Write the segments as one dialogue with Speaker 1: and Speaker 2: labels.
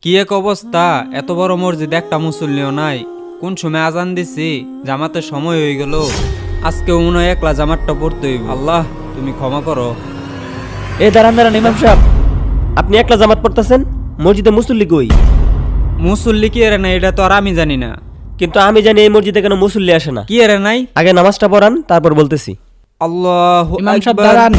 Speaker 1: কি এক অবস্থা, এত বড় মসজিদ একটা মুসল্লিও নাই। কোন সময় আজান দিছি, জামাতের সময় হয়ে গেল। আজকেও মনে হয় একলা জামাতটা পড়তে হইব। আল্লাহ তুমি ক্ষমা করো।
Speaker 2: দাঁড়ান দাঁড়ান ইমাম সাহেব, আপনি একলা জামাত পড়তেছেন, মসজিদে মুসল্লি কই?
Speaker 1: মুসল্লি কি এরে নাই এটা তো আর আমি জানি না।
Speaker 2: কিন্তু আমি জানি এই মসজিদে কেন মুসল্লি আসে না।
Speaker 1: কি এরে নাই?
Speaker 2: আগে নামাজটা পড়ান, তারপর বলতেছি।
Speaker 1: আল্লাহু
Speaker 3: ইমাম সাহেব
Speaker 1: আকবার।
Speaker 3: দাঁড়ান।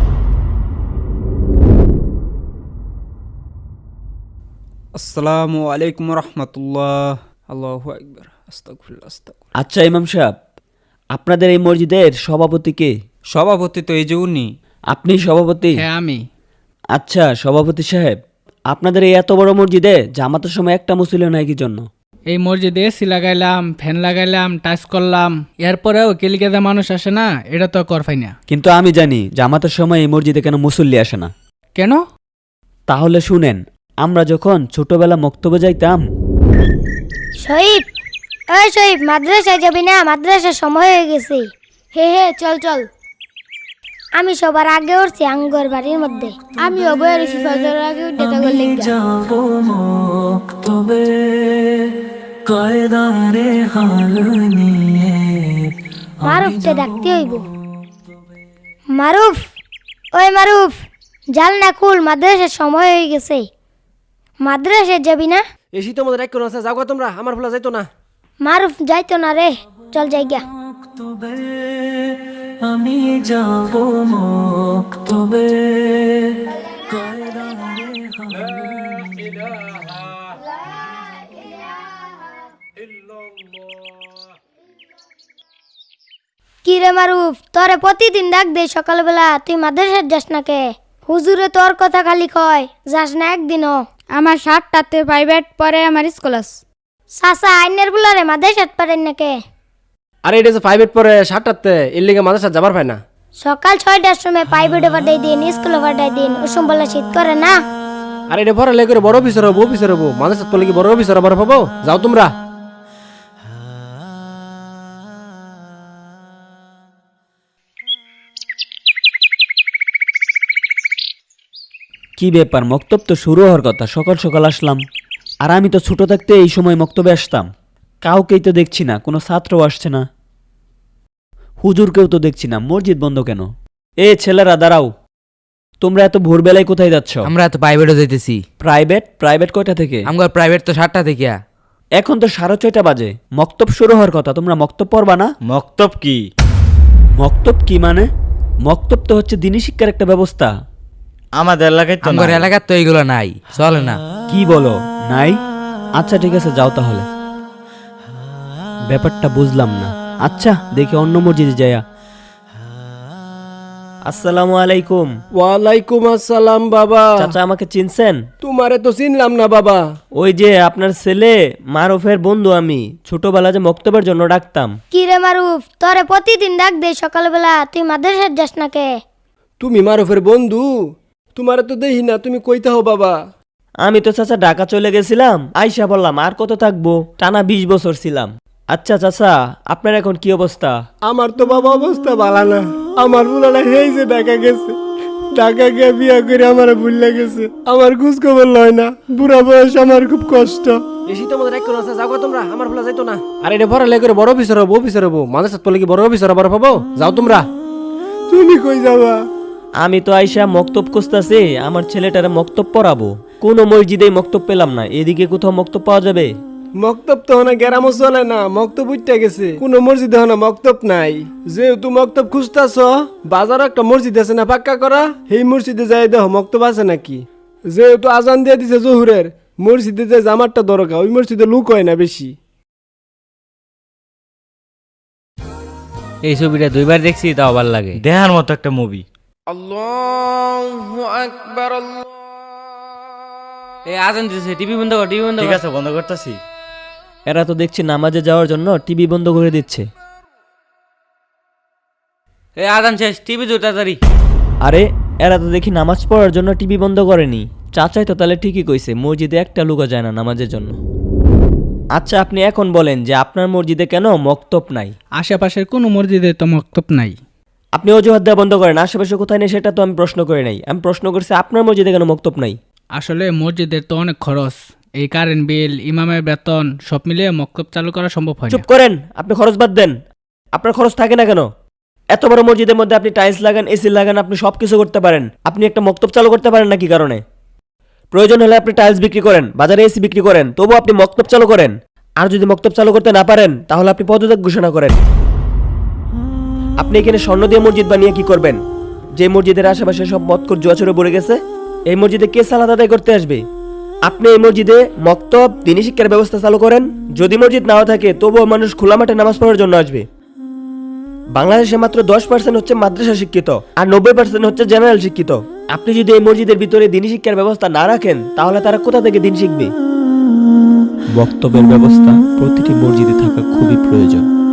Speaker 1: আসসালামু আলাইকুম রাহমাতুল্লাহ। আল্লাহু আকবার। আস্তাগফিরুল্লাহ আস্তাগফিরুল্লাহ।
Speaker 2: আচ্ছা ইমাম সাহেব, আপনাদের এই মসজিদের সভাপতি কে?
Speaker 1: সভাপতি তো এই যে উনি।
Speaker 2: আপনি সভাপতি?
Speaker 3: হ্যাঁ আমি।
Speaker 2: আচ্ছা সভাপতি সাহেব, আপনাদের এই এত বড় মসজিদে জামাতের সময় একটা মুসল্লি নাই কি জন্য?
Speaker 3: এই মসজিদে এসি লাগাইলাম, ফ্যান লাগাইলাম, টাচ করলাম, এরপরেও কেলিকেদা মানুষ আসে না, এটা তো করফাই না।
Speaker 2: কিন্তু আমি জানি জামাতের সময় এই মসজিদে কেন মুসল্লি আসে না।
Speaker 3: কেন?
Speaker 2: তাহলে শুনেন, আমরা যখন ছোটবেলা মক্তবে যাইতাম।
Speaker 4: শহীদ, ওই শহীদ, মাদ্রাসায় যাবি না? মাদ্রাসার সময় হয়ে গেছে। হে হে, চল চল। আমি সবার আগে উঠছি আঙ্গর বাড়ির মধ্যে। আমি অবয়ের ফজরের আগে উঠে তখন
Speaker 5: যাব মক্তবে কয়দারে হাল নিয়ে।
Speaker 4: মারুফকে ডাকতে হইব। মারুফ, ওই মারুফ, জাল না খুল, মাদ্রাসার সময় হয়ে গেছে। মাদ্রাসায় যাবি না?
Speaker 2: এসি তো আমাদের এক কোন আছে, যাও তোমরা, আমার ভোলা যাইতো না।
Speaker 4: মারুফ যাইতো না রে, চল যাইগা।
Speaker 5: মক্তবে আমি যাব মক্তবে কয়দারে হাল
Speaker 4: কি রে মারুফ, তোরে প্রতিদিন ডাক দে সকালবেলা, তুই মাদ্রাসায় যাস না কে? হুজুরে তোর কথা খালি কয়, যাস না একদিনও।
Speaker 6: আমার 7টাতে প্রাইভেট পরে আমার স্কুল আছে।
Speaker 4: সাসা আইনের বুলারে মাদ্রাসাত পারেন না কে?
Speaker 2: আরে এটা যে প্রাইভেট পরে 7টাতে, এর লিগে মাদ্রাসা যাবার পায় না।
Speaker 4: সকাল 6টার সময় প্রাইভেটে পাঠাই দিন, স্কুলে পাঠাই দিন, ওসম বলে শীত করে না।
Speaker 2: আরে এটা পরে লেগে বড় অফিসার হবো মাদ্রাসা পড়লে কি বড় অফিসার আবার পাবো? যাও তোমরা। কি ব্যাপার, মক্তব তো শুরু হওয়ার কথা, সকাল সকাল আসলাম। আর আমি তো ছোট থাকতে এই সময় মক্তবে আসতাম। কাউকেই তো দেখছি না, কোনো ছাত্রও আসছে না, হুজুরকেও তো দেখছি না। মসজিদ বন্ধ কেন? ছেলেরা দাঁড়াও, তোমরা এত ভোরবেলায় কোথায় যাচ্ছ?
Speaker 7: আমরা তো প্রাইভেটও যাইতেছি।
Speaker 2: প্রাইভেট কয়টা থেকে?
Speaker 7: আমার প্রাইভেট তো 7টা থেকে।
Speaker 2: এখন তো 6:30 বাজে, মক্তব শুরু হওয়ার কথা। তোমরা মক্তব পড়বা না?
Speaker 1: মক্তব কি?
Speaker 2: মক্তব কি মানে? মক্তব তো হচ্ছে দিনী শিক্ষার একটা ব্যবস্থা।
Speaker 1: আমাদের এলাকায় তো
Speaker 7: আমার এলাকার তো এইগুলো নাই, চলে না।
Speaker 2: কি বলো, নাই? আচ্ছা ঠিক আছে, যাও তাহলে। ব্যাপারটা বুঝলাম না। আচ্ছা দেখি অন্য মসজিদে যায়া। আসসালামু আলাইকুম।
Speaker 8: ওয়ালাইকুম আসসালাম বাবা।
Speaker 2: চাচা আমাকে চিনছেন?
Speaker 8: তোমারে তো চিনলাম না বাবা।
Speaker 2: ওই যে আপনার ছেলে মারুফের বন্ধু, আমি ছোটবেলা যে মক্তবের জন্য ডাকতাম।
Speaker 4: কি রে মারুফ, তোরে প্রতিদিন ডাক দে সকালবেলা, তুই মাদ্রাসায় যাস না কে?
Speaker 8: তুমি মারুফের বন্ধু? তোমারে তো দেখি না, তুমি কইতে হো বাবা।
Speaker 2: আমি তো চাচা ঢাকা চলে গেছিলাম, আইসা বললাম আর কত থাকবো, টানা 20 বছর ছিলাম। আচ্ছা চাচা, আপনার এখন কি অবস্থা?
Speaker 8: আমার তো বাবা অবস্থা ভালো না। আমার বুলাটা এই যে ঢাকা গেছে, ঢাকা গিয়ে বিয়া করে আমার ভুলে গেছে। আমার খোঁজ খবর লয় না, বুড়া বয়স, আমার খুব কষ্ট।
Speaker 2: এসি তো আমাদের এক কোন আছে, যাও তোমরা, আমার ভোলা যাইতো না। আর এটা পরে লেগে বড় অফিসার হবো মাদ্রাসা পড়লে কি বড় অফিসার আবার পাবো? যাও তোমরা।
Speaker 8: তুমি কই যাবা?
Speaker 2: আমি তো আইসা মক্তব খুঁজতাছি, আমার ছেলেটারে মক্তব পড়াবো। কোনো মসজিদে মক্তব পেলাম না। এদিকে কোথাও মক্তব পাওয়া যাবে?
Speaker 8: মক্তব তো না, গ্রামও চলে না, মক্তব উঠতে গেছে। কোন মসজিদে না মক্তব নাই। যেহেতু মক্তব খুঁজতাছ, বাজারে একটা মসজিদ আছে না পাক্কা করা, সেই মসজিদে যাই দেখো মক্তব আছে নাকি। যেহেতু আজান দিয়ে দিছে জহুরের, মসজিদে যে জামারটা দরকার, ওই মসজিদে লোক হয় না বেশি।
Speaker 7: এই ছবিটা 2বার দেখছি, তাও ভালো লাগে।
Speaker 1: দেখার মতো একটা মুভি।
Speaker 7: আজান দিতেছে, টিভি বন্ধ কর, টিভি বন্ধ কর।
Speaker 1: ঠিক আছে, বন্ধ করতেছি।
Speaker 2: এরা তো দেখছি নামাজে যাওয়ার জন্য টিভি বন্ধ করে দিচ্ছে।
Speaker 7: আজান শেষ, টিভি জোর তাড়াতাড়ি।
Speaker 2: আরে এরা তো দেখি নামাজ পড়ার জন্য টিভি বন্ধ করেনি। চাচাই তো তাহলে ঠিকই কইছে, মসজিদে একটা লুকা যায় না নামাজের জন্য। আচ্ছা আপনি এখন বলেন যে আপনার মসজিদে কেন মক্তব নাই?
Speaker 3: আশেপাশের কোনো মসজিদে তো মক্তব নাই।
Speaker 2: আপনি অজুহাত দেওয়া বন্ধ করেন। আশেপাশে কোথায় নেই সেটা তো আমি প্রশ্ন করে নাই, আমি প্রশ্ন করছি আপনার মসজিদে কেন মক্তব নাই।
Speaker 3: আসলে মসজিদের তো অনেক খরচ, এই কারেন্ট বিল ইমামের বেতন সব মিলিয়ে মক্তব চালু করা সম্ভব হয়
Speaker 2: চুপ
Speaker 3: না।
Speaker 2: করেন, আপনি খরচ বাদ দেন। আপনার খরচ থাকে না কেন? এত বড় মসজিদের মধ্যে আপনি টাইলস লাগান, এসি লাগান, আপনি সব কিছু করতে পারেন। আপনি একটা মক্তব চালু করতে পারেন না কি কারণে? প্রয়োজন হলে আপনি টাইলস বিক্রি করেন, বাজারে এসি বিক্রি করেন, তবু আপনি মক্তব চালু করেন। আর যদি মক্তব চালু করতে না পারেন তাহলে আপনি পদত্যাগ ঘোষণা করেন। আপনি এখানে স্বর্ণ দিয়ে মসজিদ বানিয়ে কি করবেন? যে মসজিদের আশেপাশে সব মদখোর জুয়াচরে ভরে গেছে, এই মসজিদে কে সালাত আদায় করতে আসবে? আপনি এই মসজিদে মক্তব, দ্বীনি শিক্ষার ব্যবস্থা চালু করেন। যদি মসজিদ নাও থাকে তবুও মানুষ খোলা মাঠে নামাজ পড়ার জন্য আসবে। বাংলাদেশে মাত্র 10% হচ্ছে মাদ্রাসা শিক্ষিত, আর 90% হচ্ছে জেনারেল শিক্ষিত। আপনি যদি এই মসজিদের ভিতরে দ্বীনি শিক্ষার ব্যবস্থা না রাখেন তাহলে তারা কোথা থেকে দিন শিখবে? বক্তব্যের ব্যবস্থা প্রতিটি মসজিদে থাকা খুবই প্রয়োজন।